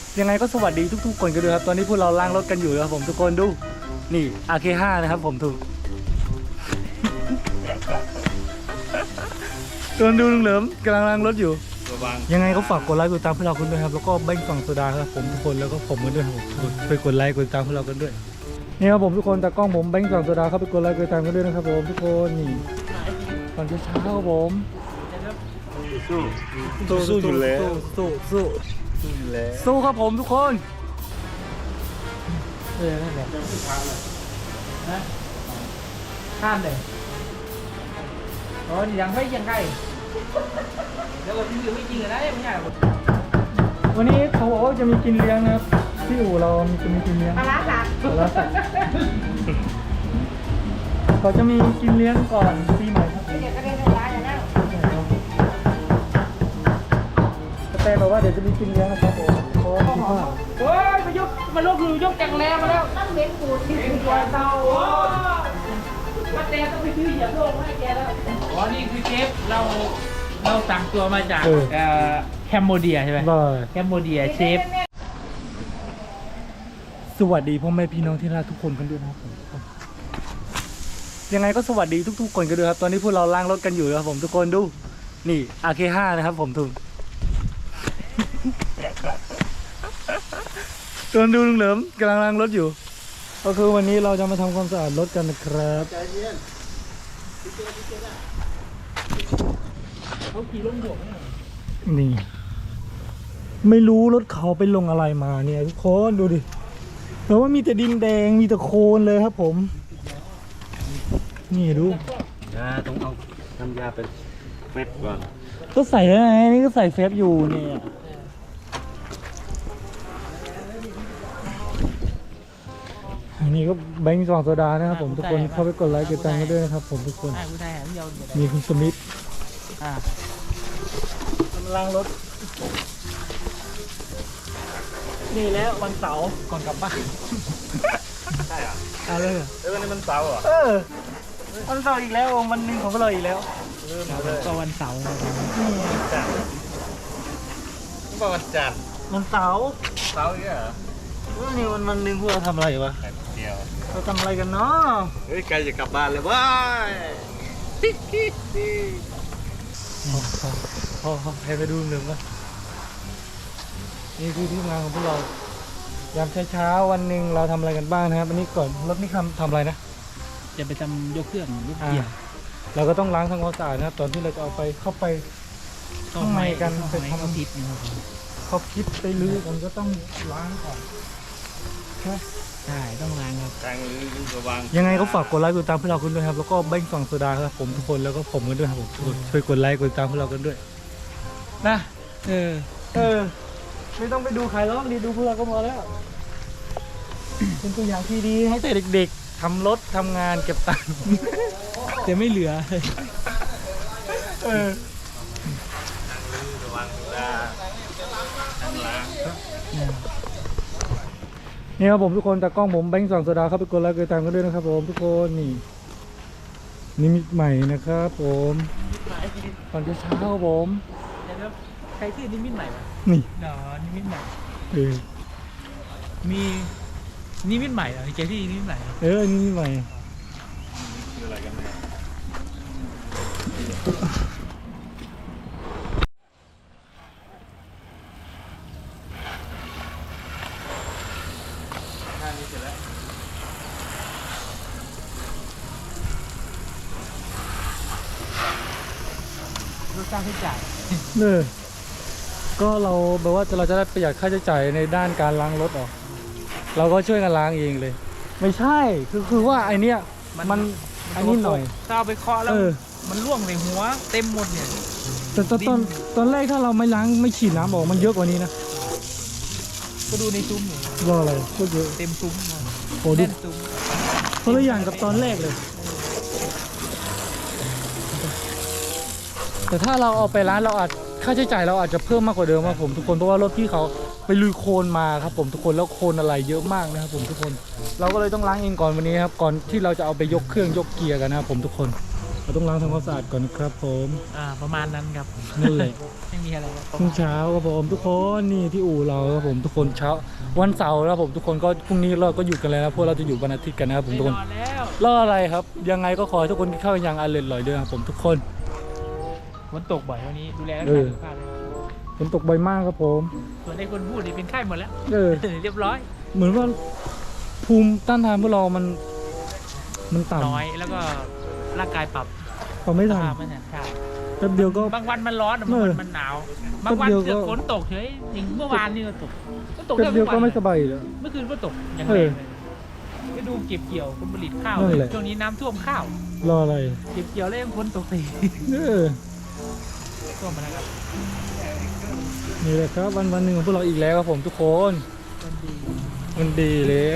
ยังไงก็สวัสดีทุกๆคนกันด้วยครับตอนนี้พวกเราล้างรถกันอยู่นะครับผมทุกคนดูนี่ RK5 นะครับผมถูกตัวดูเหลิมกำลังล้างรถอยู่ยังไงก็ฝากกดไลค์กดติดตามพวกเรากันด้วยครับแล้วก็แบ่งฝั่งโซดาครับผมทุกคนแล้วก็ผมกันด้วยครับผมไปกดไลค์กดติดตามพวกเรากันด้วยนี่ครับผมทุกคนแต่กล้องผมแบ่งฝั่งโซดาเข้าไปกดไลค์กดติดตามกันด้วยนะครับผมทุกคนนี่ตอนเช้าครับผมสู้อยู่แล้วสู้อยู่แล้วสู้ครับผมทุกคนนั่นแหละนะข้ามเลยยังไม่ยังไงแล้ววันนี้ไม่จริงนะไม่ใช่วันนี้เขาบอกว่าจะมีกินเลี้ยงนะครับที่อู่เราจะมีกินเลี้ยงปลาสักเขาจะมีกินเลี้ยงก่อนปีใหม่ครับแต่บอกว่าเดี๋ยวจะมีกินเลี้ยงนะครับผมเพราะที่ว่าโอ้ยมาลุกคือยกแกงแรงมาแล้วตั้งเบนปูดที่เป็นตัวเตามาแต่ต้องไปซื้อเหยียบโลกให้แกแล้วอ๋อนี่คือเชฟเราสั่งตัวมาจากแคมโบเดียใช่ไหมแคมโบเดียเชฟสวัสดีพ่อแม่พี่น้องที่รักทุกคนกันด้วยนะครับผมยังไงก็สวัสดีทุกๆคนกันด้วยครับตอนนี้พวกเราล้างรถกันอยู่นะครับผมทุกคนดูนี่ RK5 นะครับผมถูกตัวดูเหลิมกำลังล้างรถอยู่ก็คือวันนี้เราจะมาทำความสะอาดรถกันนะครับเขาขี่ลงหัวนี่ไม่รู้รถเขาไปลงอะไรมาเนี่ยทุกคนดูดิแต่ว่ามีแต่ดินแดงมีแต่โคลนเลยครับผมนี่ดูต้องเอาน้ำยาเป็นเฟบก่อนก็ใส่แล้วไงนี่ก็ใส่เฟบอยู่เนี่ยอันนี้ก็แบงค์2โซดานะครับผมทุกคนเข้าไปกดไลค์กดติดตามกันด้วยนะครับผมทุกคนมีคุณสมิธล้างรถนี่แล้ววันเสาร์ก่อนกลับบ้านใช่เหรออะไรเหรอวันนี้มันเสาร์เหรอวันเสาร์อีกแล้ววันหนึ่งของเราอีกแล้วก็วันเสาร์ก็วันจันทร์วันเสาร์อีกเหรอนี่วันหนึ่งพวกเราทำอะไรวะเดียวเราทำอะไรกันเนาะเฮ้ยใกล้จะกลับบ้านเลยว้ายพอให้ไปดูหนึ่งวะนี่คือที่งานของพวกเรายามเช้าวันหนึ่งเราทำอะไรกันบ้างนะครับอันนี้ก่อนรถนี่ทำอะไรนะจะไปทำยกเครื่องยกเกียร์เราก็ต้องล้างทำความสะอาดนะครับตอนที่เราจะเอาไปเข้าไปข้างในกันไปทำพิษนะครับเขาคิดไปลื้อกันก็ต้องล้างก่อนใช่ต้องล้างครับยังไงก็ฝากกดไลค์กดติดตามพวกเรากันด้วยครับแล้วก็แบ่งฝั่งโซดาครับผมทุกคนแล้วก็ผมกันด้วยครับผมช่วยกดไลค์กดติดตามพวกเรากันด้วยนะไม่ต้องไปดูใครหรอกดีดูพวกเราก็พอแล้วเป็นตัวอย่างที่ดีให้แต่เด็กๆทำรถทำงานเก็บตังค์แต่ไม่เหลือนี่ครับผมทุกคนแต่กล้องผมแบงค์2โซดาเข้าไปกดไลค์กดติดตามกันด้วยนะครับผมทุกคนนี่นิมิตใหม่นะครับผมตอนเช้าครับผมใครชื่อนิมิตใหม่นี่นิมิตใหม่มีนิมิตใหม่เหรอแกที่นิมิตใหม่นิมิตใหม่คืออะไรกันเนี่ยค่าใช้จ่ายก็เราแบบว่าเราจะได้ประหยัดค่าใช้จ่ายในด้านการล้างรถออกเราก็ช่วยกันล้างเองเลยไม่ใช่คือว่าไอเนี้ยมันอันนี้หน่อยถ้าเอาไปเคาะแล้วมันร่วงในหัวเต็มหมดเนี่ยแต่ตอนแรกถ้าเราไม่ล้างไม่ฉีดน้ำออกมันเยอะกว่านี้นะก็ดูในซุ้มว่าอะไรก็เยอะเต็มซุ้มโอ้ดูคนละอย่างกับตอนแรกเลยแต่ถ้าเราเอาไปร้านเราอาจค่าใช้จ่ายเราอาจจะเพิ่มมากกว่าเดิมครับผมทุกคนเพราะว่ารถพี่เขาไปลุยโคลนมาครับผมทุกคนแล้วโคลนอะไรเยอะมากนะครับผมทุกคนเราก็เลยต้องล้างเองก่อนวันนี้ครับก่อนที่เราจะเอาไปยกเครื่องยกเกียร์กันนะครับผมทุกคนเราต้องล้างทำความสะอาดก่อนนะครับผมประมาณนั้นครับนั่นแหละไม่มีอะไรครับพรุ่งเช้าครับผมทุกคนนี่ที่อู่เราครับผมทุกคนเช้าวันเสาร์ครับผมทุกคนก็พรุ่งนี้เราก็หยุดกันแล้วนะพวกเราจะอยู่วันอาทิตย์กันนะครับผมทุกคนนอนแล้วรออะไรครับยังไงก็ขอให้ทุกคนเข้าอย่างอร่อยลอยด้วยครับผมทุกคนฝนตกบ่อยวันนี้ดูแลรักเอษาอสุขภาพเลยฝนตกบ่อยมากครับผมส่วนไอ้คนพูดนี่เป็นไข้หมดแล้ว เรียบร้อยเหมือนว่าภูมิต้านทานพวกเรามันต่ำน้อยแล้วก็ร่างกายปรับพอไม่สทันภาพไม่ทันใช่แป๊บเดียวก็บางวันมันร้อนบางวันมันหนาวบางวันเสือกฝนตกเฉยอย่างเมื่อวานนี่ก็ตกแป๊บเดียวก็ไม่สบายบายเลยเมื่อคืนก็ตกอย่างแรงเลยไปดูเก็บเกี่ยวผลผลิตข้าวนั่นแหละช่วงนี้น้ำท่วมข้าวรออะไรเก็บเกี่ยวแล้วยังฝนตกตี ท่วมมาแล้วครับนี่แหละครับวันหนึ่งของพวกเราอีกแล้วครับผมทุกคนมันดีมันดีแล้ว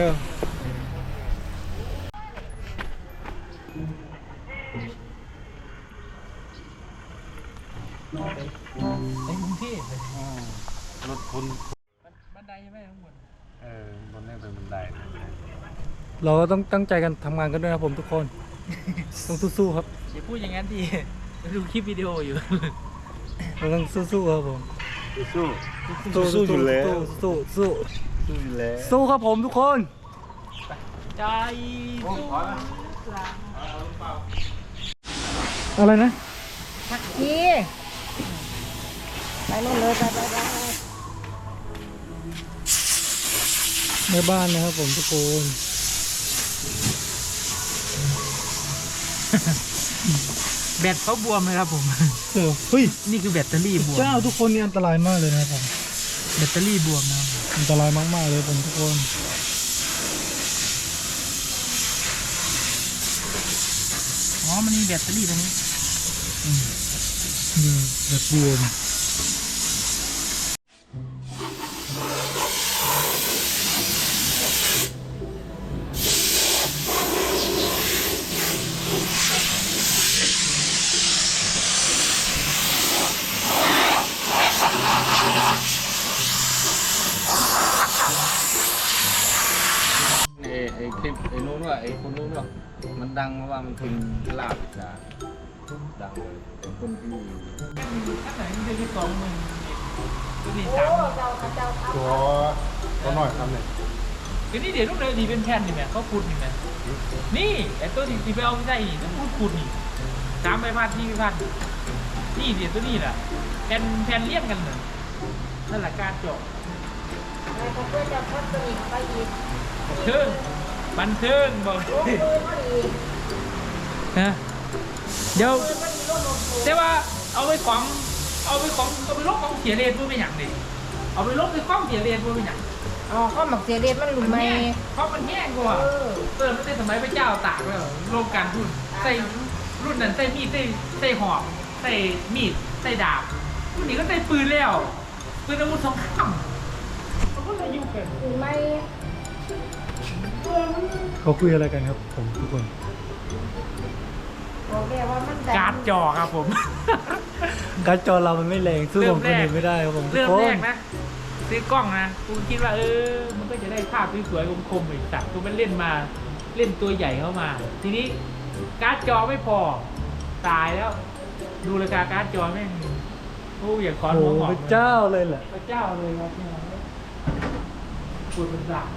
ในกรุงเทพเลยรถคุณบันไดใช่ไหมทั้งหมดบนนี้เป็นบันไดนะเราก็ต้องตั้งใจกันทำงานกันด้วยนะครับผมทุกคน ต้องสู้ๆครับอย่าพูดอย่างนั้นดิดูคลิปวิดีโออยู่เราต้องสู้ๆครับผมสู้สู้อยู่แล้วสู้สู้อยู่แล้วสู้ครับผมทุกคนใจสู้อะไรนะผักชีไปนู่นเลยไปในบ้านนะครับผมทุกคนแบตเขาบวมเลยครับผมเฮ้ยนี่คือแบตเตอรี่บวมเจ้าทุกคนนี่อันตรายมากเลยนะครับผมแบตเตอรี่บวมนะครับอันตรายมากๆเลยผมทุกคนอ๋อมันมีแบตเตอรี่ตรงนี้นี่แบบบวมไอ้คลิปไอ้นู้นว่าไอ้คนนู้นว่ามันดังเพราะว่ามันกินลาบจ้ะดังเลยคนที่ถ้าไหนมันจะได้สองหมื่นตัวนี้โอ้สามเจ้าเจ้าครับตัวหน่อยครับเนี่ยคือนี่เดี๋ยวลูกเลยดีเป็นแผ่นนี่แม่เขาขุดนี่แม่นี่ไอ้ตัวที่ไปเอาไม่ได้นี่ต้องขุดนี่สามใบพัดที่ใบพัดนี่เดี๋ยวตัวนี้แหละแผ่นเลี้ยงกันเลยนั่นแหละการจบไอ้ผมก็จะพัดตัวอีกไปอีกเทิงบันเทิงบอกโอ้ยพอดีฮะเดี๋ยวพอดีรถลงตัวแต่ว่าเอาไปของลบของเสียเรียนเพื่อเป็นอย่างดิเอาไปลบในข้องเสียเรียนเพื่อเป็นอย่างอ๋อข้าวหมักเสียเรียดมันหลุดไหมเพราะมันแห้งกว่าเติมไม่ได้สมัยพระเจ้าตากเลยโลกการรุ่นใส่รุ่นนั้นใส่มีดใส่หอกใส่มีดใส่ดาบรุ่นนี้ก็ใส่ปืนแล้วปืนอาวุธสงครามมันก็เลยยุ่งกันหรือไม่เขาคุยอะไรกันครับผมทุกคนบอกเลยว่ามันการ์ดจอครับผมการจอเรามันไม่แรงสู้ของคนอื่นไม่ได้ครับผมทุกเริ่มคแรนกนะซื้อกล้องนะกูคิดว่ามันก็จะได้ภาพสวยๆคมๆอีกสัตว์กูมันเล่นตัวใหญ่เข้ามา ทีนี้การ์ดจอไม่พอตายแล้ว ดูราคาการ์ดจอแม่งโอ้อย่าคอนโอ้หัวโหหมอพระเจ้าเลยแหละพระเจ้าเลยครับเนี่ยปวดเป็นสัตว์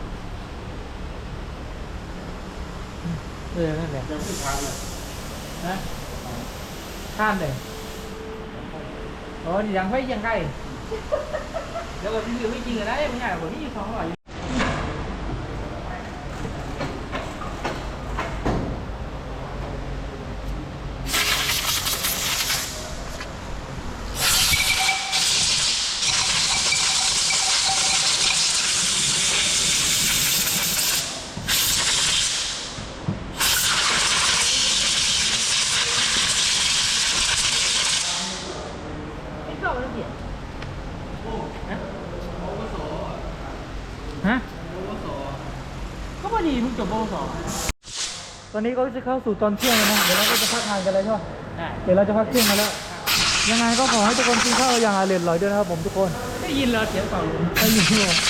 นั่นแหละยังไม่ทานเลยนะทานเลยโอ้ยยังไงแล้วก็ที่ไม่จริงอะนะไม่ใช่ผมนี่อยู่200ไม่เข้าแล้วเปลี่ยนฮะก็พอดีมึงจบปวสตอนนี้ก็จะเข้าสู่ตอนเที่ยงแล้วนะเดี๋ยวเราก็จะพักทานกันแล้วใช่ไหมได้เดี๋ยวเราจะพักเที่ยงกันแล้ว ยังไงก็ขอให้ทุกคนกินข้าวอย่างอร่อยลอยด้วยนะครับผมทุกคนได้ยินเลยเสียงเป่าลมไม่มีที่ว่า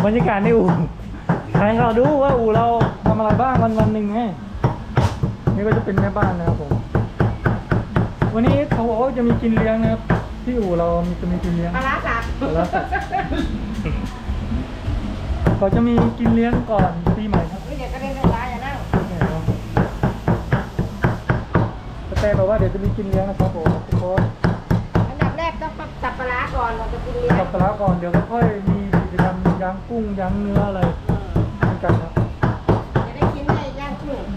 บรรยากาศในอู่ให้เราดูว่าอู่เราทำอะไรบ้างวันหนึ่งไงนี่ก็จะเป็นแม่บ้านนะครับผมวันนี้เขาบอกว่าจะมีกินเลี้ยงนะครับที่อู่เราจะมีกินเลี้ยงปลาร้าสับแล้วเขาจะมีกินเลี้ยงก่อนปีใหม่ครับเดี๋ยวก็เล่นร้ายอย่านั่งแต่บอกว่าเดี๋ยวจะมีกินเลี้ยงนะครับผมทุกคนอันดับแรกต้องสับปลาร้าก่อนเราจะกินเลี้ยงสับปะรดก่อนเดี๋ยวก็ค่อยมีกิจกรรมย่างกุ้งย่างเนื้ออะไรเหมือนกันครับจะได้กินได้ย่างกุ้ง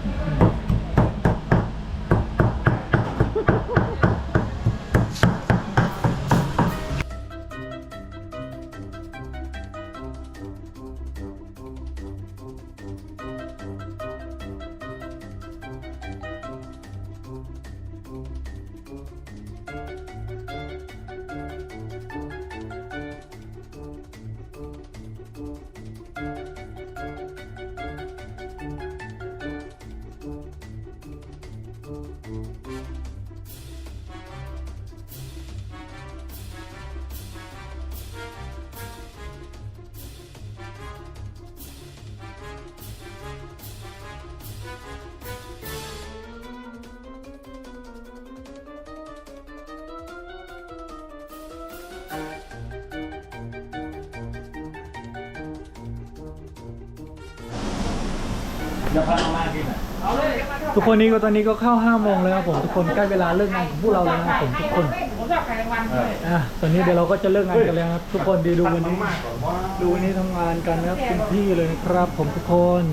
ทุกคนนี้ก็ตอนนี้ก็เข้า5 โมงแล้วครับผมทุกคนใกล้เวลาเลิกงานของพวกเราแล้วนะครับผมทุกคนผมชอบไข่รางวัลด้วยตอนนี้เดี๋ยวเราก็จะเลิกงานกันแล้วครับทุกคนดูวันนี้ดูวันนี้ทำงานกันนะครับเต็มที่เลยนะครับผมทุกคน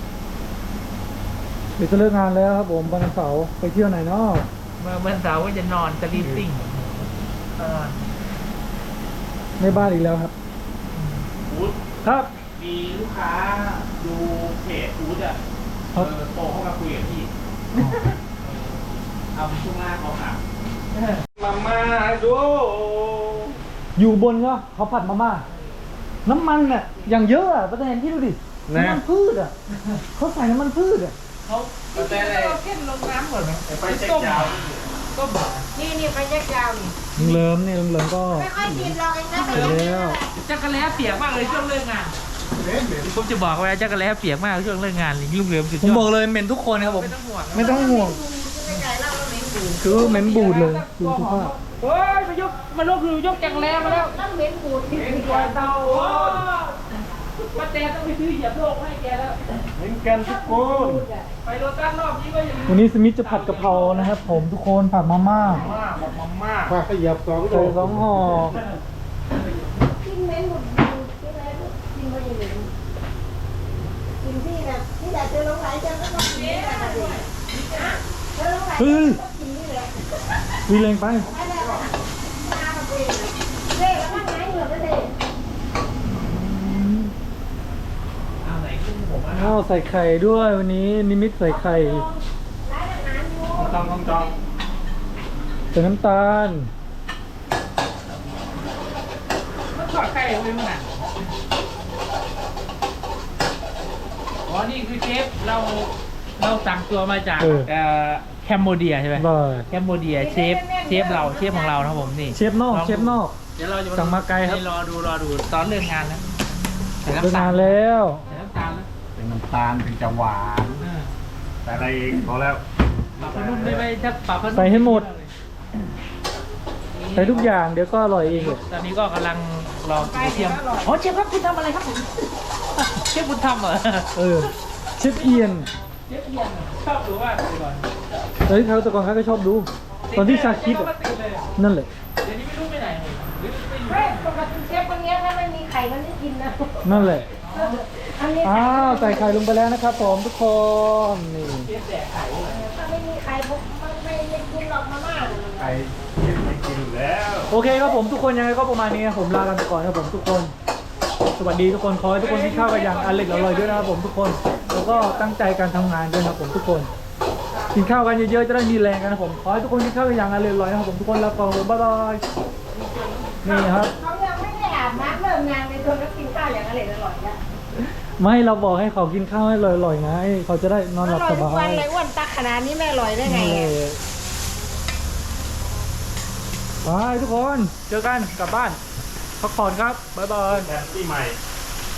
เดี๋ยวจะเลิกงานแล้วครับผมวันเสาร์ไปเที่ยวไหนเนาะเมื่อวันเสาร์ก็จะนอนสลีปปิ้งในบ้านอีกแล้วครับอู๊ดครับมีลูกค้าดูเพจอู๊ดอ่ะครับโตเข้ามาคุยกับพี่เอาช่วงล่างเขาค่ะมาดูอยู่บนก็เขาผัดมาม่าน้ำมันน่ะอย่างเยอะอ่ะประเด็นที่ดูดิน้ำมันพืชอ่ะเขาใส่น้ำมันพืชอ่ะเขาแต่เราเส้นลงน้ำหมดไหมไปเช็คยาวต้มนี่ไปแยกยาวนี่ลุงเลิมนี่ลุงเลิมก็ไม่ค่อยกินเราเองนะเสร็จแล้วจักรแล้เปียกมากเลยช่วงเลิกงานผมจะบอกไว้จักรแล้เปียกมากช่วงเลิกงานลุงเหลือมสุดผมยบออกดเลยเหม็นทุกคนครับผมไม่ต้องห่วงไม่ต้องห่วงไก่เราเหม็นบูดคือเหม็นบูดเลยดูสภาพโอ้ยมาลุกคือยกจักรแล้มาแล้วต้องเหม็นบูดที่สุดตัวเตาโอ้มาแต่ต้องไปซื้อเหยียบโลกให้แกแล้วเหมือนกันทุกคนไปโรตัสรอบนี้ก็ยังวันนี้สมิธจะผัดกะเพรานะครับผมทุกคนผัดมาม่ามาฝากขยับ2 โลใส่2 ห่อกินเหม็นบูดกินอะไรกินไม่เหม็นกินที่นะที่แต่เจอลงไหลเจอก็ต้องกินนี่แหละเจอลงไหลก็กินนี่แหละวีแรงไปไม่ได้มากับเด็กเด็กแล้วมันไงเหงื่อไปเด็กเอาไหนขึ้นผมอ่ะอ้าวใส่ไข่ด้วยวันนี้นิมิตใส่ไข่ร้านอาหารอยู่ต้องจองใส่น้ำตาลมันถอดไข่ไว้มั้งน่ะอ๋อนี่คือเชฟเราสั่งตัวมาจากแคมโบเดียใช่ไหมบ่อยแคมโบเดียเชฟของเรานะครับผมนี่เชฟนอกเชฟนอกเดี๋ยวเราจะสั่งมาไกลครับรอดูตอนเลิกงานแล้วใส่เลิกน้ำตางาลนแล้วใส่น้ำตาลแล้วเป็นน้ำตาลถึงจะหวาน แต่อะไรเองพอแล้วปรับพนุ่มไม่ถ้าปรับพนุ่มใส่ให้หมดใส่ทุกอย่างเดี๋ยวก็อร่อยเองเลยตอนนี้ก็กำลังรอกินเทียมอ๋อเชฟครับคุณทำอะไรครับผมเชฟคุณทำเหรอเชฟเอียนเชฟเอียนเหรอชอบดูว่าดูก่อนตอนที่เขาแต่ก่อนเขาก็ชอบดู ตอนที่ชาคิดอ่ะติดเลยอะนั่นแหละเดี๋ยวนี้ไม่รู้ไปไหนเลยหรือไปอยู่เฮ้ยปกติเชฟคนนี้ถ้าไม่มีไข่มันไม่กินนะนั่นแหละอันนี้อ้าวใส่ไข่ลงไปแล้วนะครับผมทุกคนนี่เชฟแดกไข่เลยถ้าไม่มีไข่ผมมันไม่กินหรอกมาม่าใครกินไม่กินแล้วโอเคครับผมทุกคนยังไงก็ประมาณนี้นะผมลากันไปก่อนครับผมทุกคน สวัสดีทุกคนขอให้ทุกคนที่เข้ากันอย่างอร่อยด้วยนะครับผมทุกคน แล้วก็ตั้งใจการทำงานด้วยนะครับผมทุกคนกินข้าวกันเยอะๆจะได้มีแรงกันนะครับผมขอให้ทุกคนกินข้าวกันอย่างอร่อยนะครับผมทุกคนแล้วก็บ๊ายบายนี่ครับเขายังไม่ได้อาบน้ำเริ่มงานในตัวก็กินข้าวอย่างอร่อยๆนะไม่เราบอกให้เขากินข้าวให้อร่อยๆไงเขาจะได้นอนหลับสทุบากวันยเลยอ้วนตักขนาดนี้ไม่อร่อยได้ไงไปทุกคนเจอกันกลับบ้านพักผ่อนครับบ๊ายบายแบบปีใหม่